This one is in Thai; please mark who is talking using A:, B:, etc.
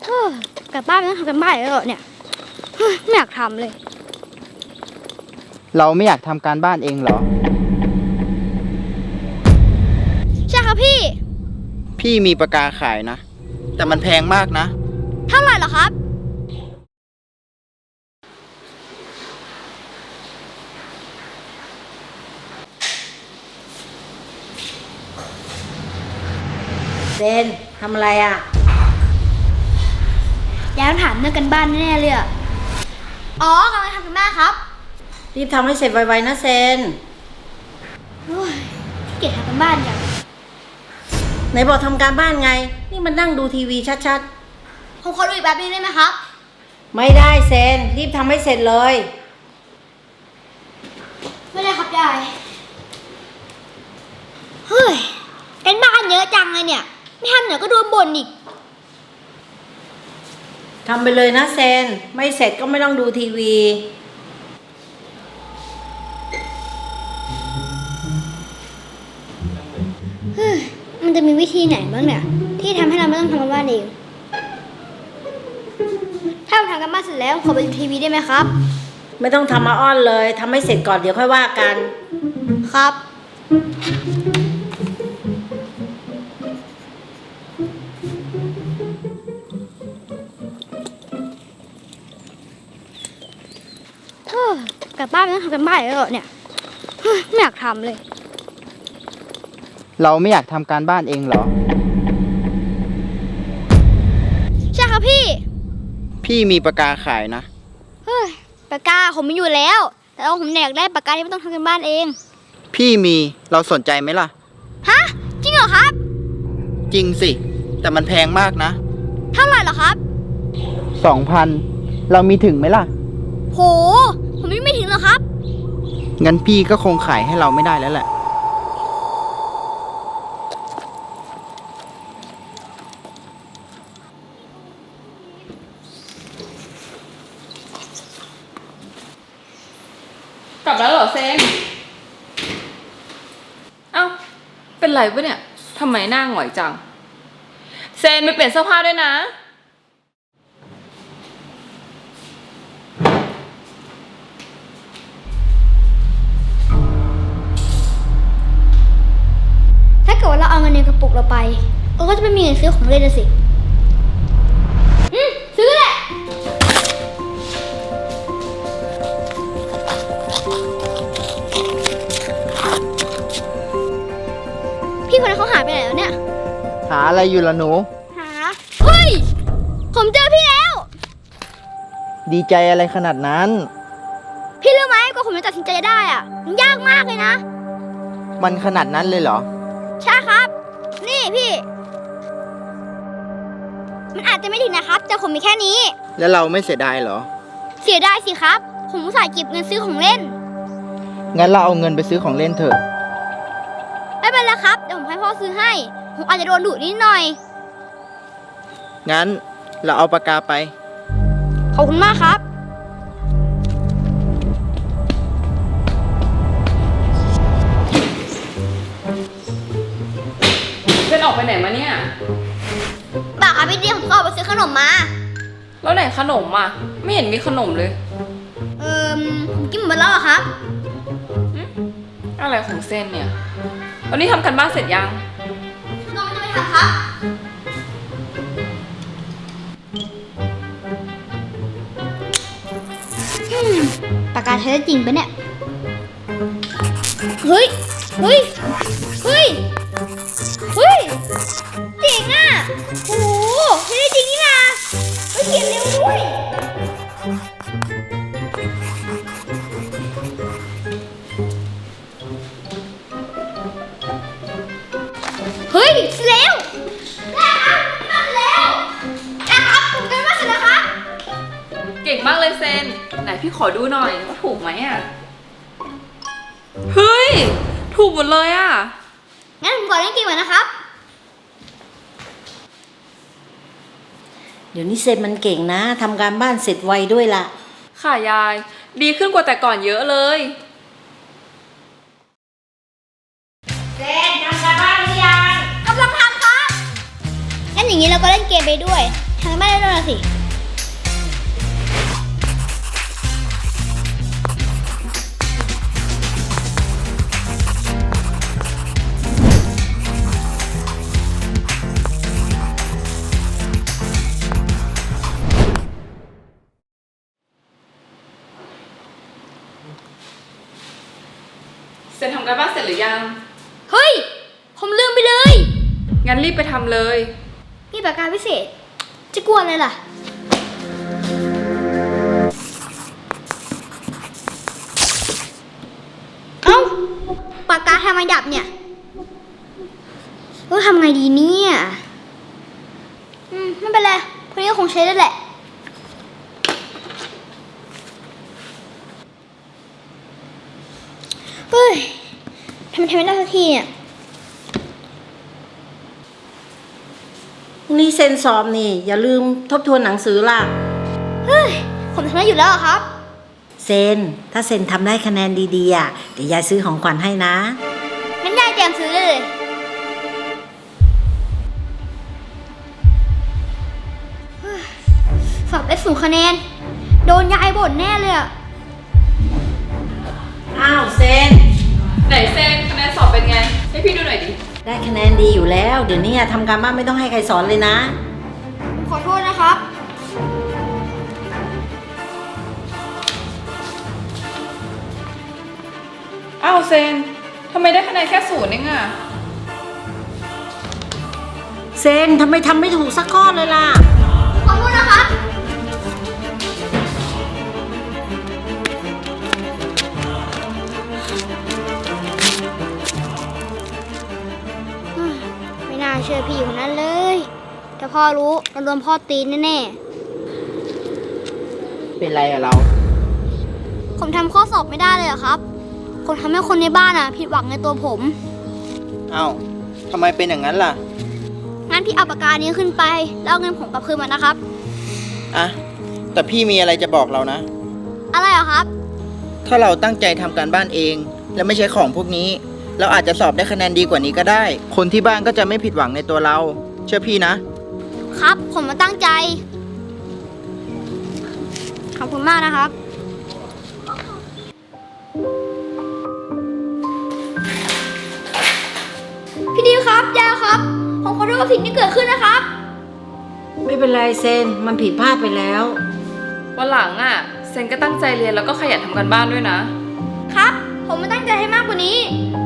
A: กลับบ้านไม่ต้องทำกันบ้านแล้วเหรอเนี่ยไม่อยากทำเลย
B: เราไม่อยากทำการบ้านเองเหรอ
A: ใช่ครับพี่
B: พี่มีปากกาขายนะแต่มันแพงมากนะ
A: เท่าไหร่เหรอครับ
C: เซนทำอะไรอ่ะ
A: ยายต้องถามเรื่องกันบ้านแน่เลยอ่ะอ๋อกำลังทำกันบ้านครับ
C: รีบทำให้เสร็จไวๆนะเซน
A: ขี้เกียจทำกันบ้านจัง
C: ไหนบอกทำการบ้านไงนี่มันนั่งดูทีวีชัด
A: ผมขอดูอีกแป๊บนึงได้ไหมครับ
C: ๆไม่ได้เซนรีบทำให้เสร็จเลย
A: ไม่ได้ครับยายเฮ้ยกันบ้านเยอะจังเลยเนี่ยไม่ทำเดี๋ยวก็โดนบ่นอีก
C: ทำไปเลยนะเซนไม่เสร็จก็ไม่ต้องดูทีวี
A: มันจะมีวิธีไหนบ้างเนี่ยที่ทำให้เราไม่ต้องทำกันบ้านเองถ้าผมทำกันบ้านเสร็จแล้วขอไปดูทีวีได้ไหมครับ
C: ไม่ต้องทำมาอ้อนเลยทำให้เสร็จก่อนเดี๋ยวค่อยว่ากัน
A: ครับกลับบ้านไม่ต้องทำกันบ้านแล้วเหรอเนี่ยไม่อยากทำเลย
B: เราไม่อยากทำการบ้านเองเหรอ
A: ใช่ครับ
B: พี่มีปากกาขายนะ
A: ปากกาผมมีอยู่แล้วแต่ว่าผมอยากได้ปากกาที่ไม่ต้องทำกันบ้านเอง
B: พี่มีเราสนใจไหมล่ะ
A: ฮะจริงเหรอครับ
B: จริงสิแต่มันแพงมากนะ
A: เท่าไหร่เหรอครับ
B: 2,000เรามีถึงไหมล่ะ
A: โหผมไม่ถึงหรอกครับ
B: งั้นพี่ก็คงขายให้เราไม่ได้แล้วแหละ
D: กลับแล้วเหรอเซนเอ้าเป็นไรปะเนี่ยทำไมหน้าหงอยจังเซนไปเปลี่ยนเสื้อผ้าด้วยนะ
A: ถ้าเกิดว่าเราเอาเงินในกระปุกเราไปเราก็จะไม่มีเงินซื้อของเล่นนะสิซื้อแหละพี่คนนั้นเขาหายไปไหนแล้วเนี่ย
B: หาอะไรอยู่ล่ะหนู
A: เฮ้ยผมเจอพี่แล้ว
B: ดีใจอะไรขนาดนั้น
A: พี่รู้ไหมกว่าผมจะตัดสินใจได้อ่ะมันยากมากเลยนะ
B: มันขนาดนั้นเลยเหรอ
A: ใช่ครับนี่พี่มันอาจจะไม่ถึงนะครับแต่ผมมีแค่นี้
B: แล้วเราไม่เสียดายเหรอ
A: เสียดายสิครับผมอุตส่าห์เก็บเงินซื้อของเล่น
B: งั้นเราเอาเงินไปซื้อของเล่นเถอะ
A: ไม่เป็นไรครับเดี๋ยวผมให้พ่อซื้อให้ผมอาจจะโดนดุนิดหน่อย
B: งั้นเราเอาปากกาไป
A: ขอบคุณมากครับ
D: เซนออกไปไหนมาเนี่ย
A: บ่าครับพี่เดียผมก็ออกไปซื้อขนมมา
D: แล้วไหนขนมอ่ะไม่เห็นมีขนมเลย
A: ผมกินหมดแล้วอะครับ
D: อะไรของเซนเนี่ยวันนี้ทำกันบ้านเสร็จยัง
A: น้องจะไปทำครับปากกาใช้ได้จริงปะเนี่ยเฮ้ยเฮ้ยเฮ้ยเฮ้ยจริงอ่ะโอ้โหใช้ได้จริงนี่นะเฮ้ยเขียนเร็วด้วยเฮ้ยเร็วนะครับมาแล้วนะครับผมกันว่าเสร็จแล้วครับ
D: เก่งมากเลยเซนไหนพี่ขอดูหน่อยว่าถูกไหมอ่ะเฮ้ยถูกหมดเลยอ่ะ
A: งั้นผมขอเล่นเกมก่อนนะครับ
C: เดี๋ยวนี้เซนมันเก่งนะทำการบ้านเสร็จไวด้วยล่ะ
D: ค่ะยายดีขึ้นกว่าแต่ก่อนเยอะเลย
C: เซนทำการบ้านหรือยัง
A: กำลังทำครับงั้นอย่างนี้เราก็เล่นเกมไปด้วยทำกันบ้านได้ด้วยสิ
D: เซนทำการบ้านเสร็จหรือยัง
A: เฮ้ย ผมลืมไปเลย
D: งั้นรีบไปทำเลย
A: นี่ปากกาพิเศษ จะกลัวอะไรล่ะ เอ้า ปากกาทำไมดับเนี่ยทำไงดีเนี่ยไม่เป็นไรพวกนี้ก็คงใช้ได้แหละ เฮ้ยทำไมไม่ได้สักทีเนี่ย
C: นี่เซนสอบนี่ อย่าลืมทบทวนหนังสือล่ะ
A: เฮ้ย ผมทำได้อยู่แล้วอะครับ
C: เซน ถ้าเซนทำได้คะแนนดีๆอ่ะเดี๋ยวยายซื้อของขวัญให้นะ
A: งั้นยายเตรียมซื้อได้เลยเฮ้ยสอบได้0 คะแนน โดนยายบ่นแน่เลยอะ
C: อ้าวเซน
D: ไหนเซนคะแนนสอบเป็นไง ให้พี่ดูหน่อยดิ
C: ได้คะแนนดีอยู่แล้ว เดี๋ยวนี้ทำการบ้านไม่ต้องให้ใครสอนเลยนะ
A: ผมขอโทษนะครับ
D: อ้าวเซนทำไมได้คะแนนแค่0เองอะ
C: เซนทำไมทำไม่ถูกสักข้อเลยล่ะ
A: ขอโทษนะครับ ไม่น่าเชื่อพี่คนนั้นเลย ถ้าพ่อรู้เราโดนพ่อตีนแน่
B: เป็นไรอะเรา
A: ๆ ผมทำข้อสอบไม่ได้เลยเหรอครับ ผมทำให้คนในบ้านผิดหวังในตัวผม
B: เอ้าทำไมเป็นอย่างนั้นล่ะ
A: งั้นพี่เอาปากกานี้ขึ้นไป แล้วเอาเงินผมกลับคืนมานะครับ
B: อะแต่พี่มีอะไรจะบอกเรานะ
A: อะไรเหรอครับ
B: ถ้าเราตั้งใจทำการบ้านเอง และไม่ใช้ของพวกนี้ เราอาจจะสอบได้คะแนนดีกว่านี้ก็ได้ คนที่บ้านก็จะไม่ผิดหวังในตัวเรา เชื่อพี่นะ
A: ครับ ผมมาตั้งใจ ขอบคุณมากนะครับ พี่ดิวครับยายครับ ผมขอโทษกับสิ่งที่เกิดขึ้นนะครับ
C: ไม่เป็นไรเซน มันผิดพลาดไปแล้ว
D: วันหลังอะเซนก็ตั้งใจเรียนแล้วก็ขยันทำการบ้านด้วยนะ
A: ครับ ผมมาตั้งใจให้มากกว่านี้ ผ